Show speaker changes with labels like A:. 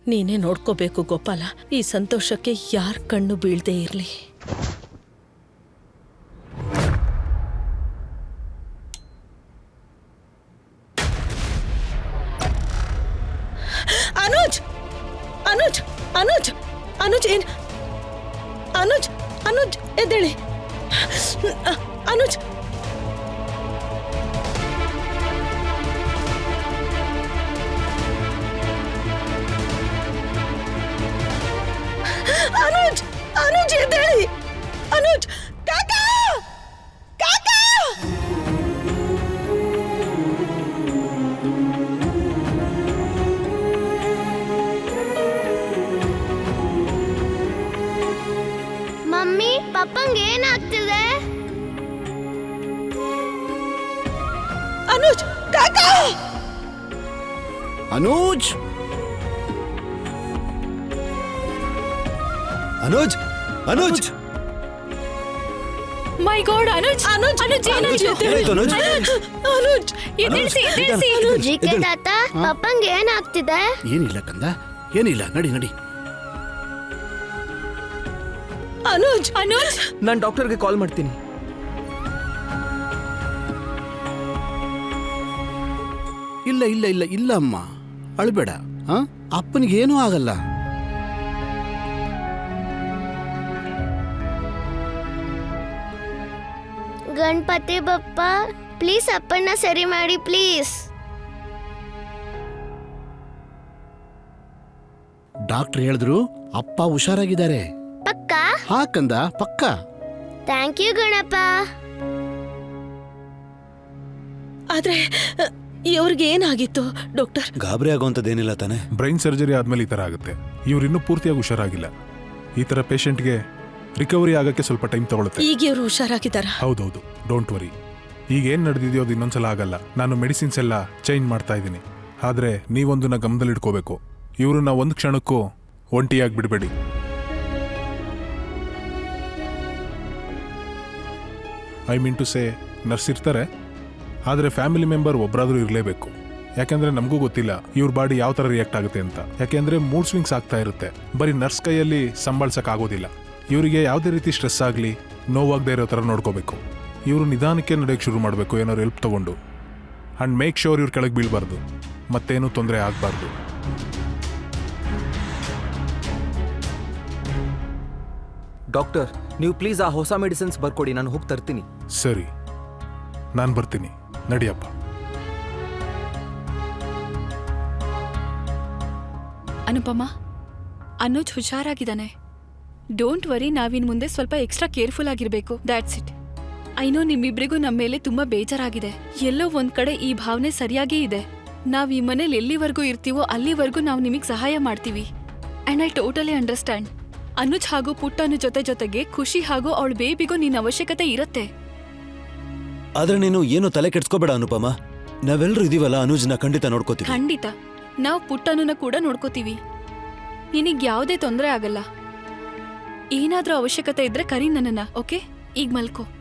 A: ನೀನೇ ನೋಡ್ಕೋಬೇಕು ಗೋಪಾಲ. ಈ ಸಂತೋಷಕ್ಕೆ ಯಾರ ಕಣ್ಣು ಬೀಳದೇ ಇರಲಿ. ಅನುಜ್ ಅನುಜ್ ಅನುಜ್ ಅನುಜ್ ಏನ್ ಅನುಜ್ ಅನುಜ್ ಎದ್ದೇಳಿ. ಅನುಜ್ ಅನುಜ್ ಅನುಜ್ ಎದ್ದೇಳಿ. ಅನುಜ್ ಕಾಕಾ ಕಾಕಾ.
B: ಮಮ್ಮಿ ಪಪ್ಪಂಗೆ ಏನಾಗ್ತಿದೆ?
A: ಅನುಜ್ ಕಾಕಾ.
C: ಅನುಜ್ ಅನುಜ್ ಅನುಜ್
D: ಮೈ ಗಾಡ್ ಅನುಜ್
A: ಅನುಜ್
D: ಅನುಜ್ ಏನಾಯ್ತು?
C: ಏನಾಯ್ತು ಅನುಜ್?
A: ಅನುಜ್
D: ಎದ್ದೇಳ್ಸಿ ಎದ್ದೇಳ್ಸಿ.
B: ಜಿಕೆ ತಾತ ಪಪ್ಪಂಗೆ ಏನಾಗ್ತಿದೆ?
C: ಏನಿಲ್ಲ ಕಂದ, ಏನಿಲ್ಲ, ನಡಿ ನಡಿ.
A: ಅನುಜ್
D: ಅನುಜ್
E: ನಾನು ಡಾಕ್ಟರ್ಗೆ ಕಾಲ್ ಮಾಡ್ತೀನಿ.
C: ಇಲ್ಲ ಇಲ್ಲ ಇಲ್ಲ ಇಲ್ಲ ಅಮ್ಮ, ಅಳ್ಬೇಡ. ಅಪ್ಪನಿಗೇನೂ ಆಗಲ್ಲ.
B: ಗಣಪತಿ ಬಪ್ಪ ಪ್ಲೀಸ್ ಅಪ್ಪನ್ನ ಸರಿ ಮಾಡಿ ಪ್ಲೀಸ್.
C: ಡಾಕ್ಟರ್ ಹೇಳಿದ್ರು ಅಪ್ಪ ಹುಷಾರಾಗಿದ್ದಾರೆ.
B: ಪಕ್ಕ?
C: ಹಾ ಕಂದ, ಪಕ್ಕ.
B: Thank you Ganapa.
A: ಆದ್ರೆ ಇವ್ರಿಗೆ ಏನಾಗಿತ್ತು ಡಾಕ್ಟರ್?
F: ಗಾಬರಿ ಆಗುವಂಥದ್ದೇನಿಲ್ಲ ತಾನೆ?
G: ಬ್ರೈನ್ ಸರ್ಜರಿ ಆದ್ಮೇಲೆ ಈ ಥರ ಆಗುತ್ತೆ. ಇವ್ರು ಇನ್ನೂ ಪೂರ್ತಿಯಾಗಿ ಹುಷಾರಾಗಿಲ್ಲ. ಈ ಥರ ಪೇಷಂಟ್ಗೆ ರಿಕವರಿ ಆಗಕ್ಕೆ ಸ್ವಲ್ಪ ಟೈಮ್ ತಗೊಳುತ್ತೆ.
A: ಈಗ ಇವರು ಹುಷಾರಾಗಿದ್ದಾರ?
G: ಹೌದೌದು, ಡೋಂಟ್ ವರಿ. ಈಗ ಏನು ನಡೆದಿದೆಯೋ ಅದು ಇನ್ನೊಂದ್ಸಲ ಆಗಲ್ಲ. ನಾನು ಮೆಡಿಸಿನ್ಸ್ ಎಲ್ಲ ಚೇಂಜ್ ಮಾಡ್ತಾ ಇದ್ದೀನಿ. ಆದರೆ ನೀವೊಂದನ್ನ ಗಮನದಲ್ಲಿಟ್ಕೋಬೇಕು, ಇವ್ರನ್ನ ಒಂದು ಕ್ಷಣಕ್ಕೂ ಒಂಟಿಯಾಗಿ ಬಿಡಬೇಡಿ. I mean to say, nurse ಇರ್ತಾರೆ, ಆದರೆ ಫ್ಯಾಮಿಲಿ ಮೆಂಬರ್ ಒಬ್ಬರಾದರೂ ಇರಲೇಬೇಕು. ಯಾಕೆಂದರೆ ನಮಗೂ ಗೊತ್ತಿಲ್ಲ ಇವ್ರ ಬಾಡಿ ಯಾವ ಥರ ರಿಯಾಕ್ಟ್ ಆಗುತ್ತೆ ಅಂತ. ಯಾಕೆಂದರೆ ಮೂಡ್ ಸ್ವಿಂಗ್ಸ್ ಆಗ್ತಾ ಇರುತ್ತೆ. ಬರೀ ನರ್ಸ್ ಕೈಯಲ್ಲಿ ಸಂಭಾಳಿಸೋಕ್ಕಾಗೋದಿಲ್ಲ. ಇವರಿಗೆ ಯಾವುದೇ ರೀತಿ ಸ್ಟ್ರೆಸ್ ಆಗಲಿ, ನೋವಾಗದೇ ಇರೋ ಥರ ನೋಡ್ಕೋಬೇಕು. ಇವರು ನಿಧಾನಕ್ಕೆ ನಡೆಯೋಕ್ಕೆ ಶುರು ಮಾಡಬೇಕು, ಏನಾದ್ರು ಹೆಲ್ಪ್ ತೊಗೊಂಡು. ಆ್ಯಂಡ್ ಮೇಕ್ ಶೋರ್ ಇವ್ರ ಕೆಳಗೆ ಬೀಳಬಾರ್ದು, ಮತ್ತೇನೂ ತೊಂದರೆ ಆಗಬಾರ್ದು.
E: ಡಾಕ್ಟರ್, ನೀವು ಪ್ಲೀಸ್ ಆ ಹೊಸ ಮೆಡಿಸಿನ್ಸ್ ಬರ್ಕೊಡಿ, ನಾನು ಹೋಗಿ ತರ್ತೀನಿ.
G: ಸರಿ, ನಾನು ಬರ್ತೀನಿ, ನಡಿಯಪ್ಪ.
D: ಅನುಪಮ, ಅನುಜ್ ಹುಷಾರಾಗಿದ್ದಾನೆ. ಡೋಂಟ್ ವರಿ, ನಾವಿನ್ ಮುಂದೆ ಸ್ವಲ್ಪ ಎಕ್ಸ್ಟ್ರಾ ಕೇರ್ಫುಲ್ ಆಗಿರ್ಬೇಕು. That's it. ಐನೋ ನಿಮ್ಮಿಬ್ರಿಗೂ ನಮ್ಮ ಮೇಲೆ ತುಂಬಾ ಬೇಜಾರಾಗಿದೆ. ಎಲ್ಲೋ ಒಂದ್ ಕಡೆ ಈ ಭಾವನೆ ಸರಿಯಾಗೇ ಇದೆ. ನಾವ್ ಈ ಮನೇಲಿ ಎಲ್ಲಿವರೆಗೂ ಇರ್ತೀವೋ ಅಲ್ಲಿವರೆಗೂ ನಾವು ನಿಮಗೆ ಸಹಾಯ ಮಾಡ್ತೀವಿ. And I totally understand. Anuj ಹಾಗೂ ಪುಟ್ಟನು ಜೊತೆಗೆ ಖುಷಿ ಹಾಗೂ ಅವಳ ಬೇಬಿಗೂ ನಿನ್ನ ಅವಶ್ಯಕತೆ ಇರತ್ತೆ.
F: ಆದ್ರೆ ನೀನು ಏನು ತಲೆ ಕೆಡ್ಸ್ಕೋಬೇಡ ಅನುಪಮ. ನಾವೆಲ್ಲರೂ ಇದೀವಲ್ಲ, ಅನುಜ್ನ ಖಂಡಿತ ನೋಡ್ಕೋತೀವಿ.
D: ಖಂಡಿತ ನಾವು ಪುಟ್ಟನನ್ನ ಕೂಡ ನೋಡ್ಕೋತೀವಿ. ನಿನಗ್ ಯಾವುದೇ ತೊಂದರೆ ಆಗಲ್ಲ. ಏನಾದ್ರೂ ಅವಶ್ಯಕತೆ ಇದ್ರೆ ಕರಿ ನನ್ನನ್ನ. ಓಕೆ, ಈಗ ಮಲ್ಕೋ.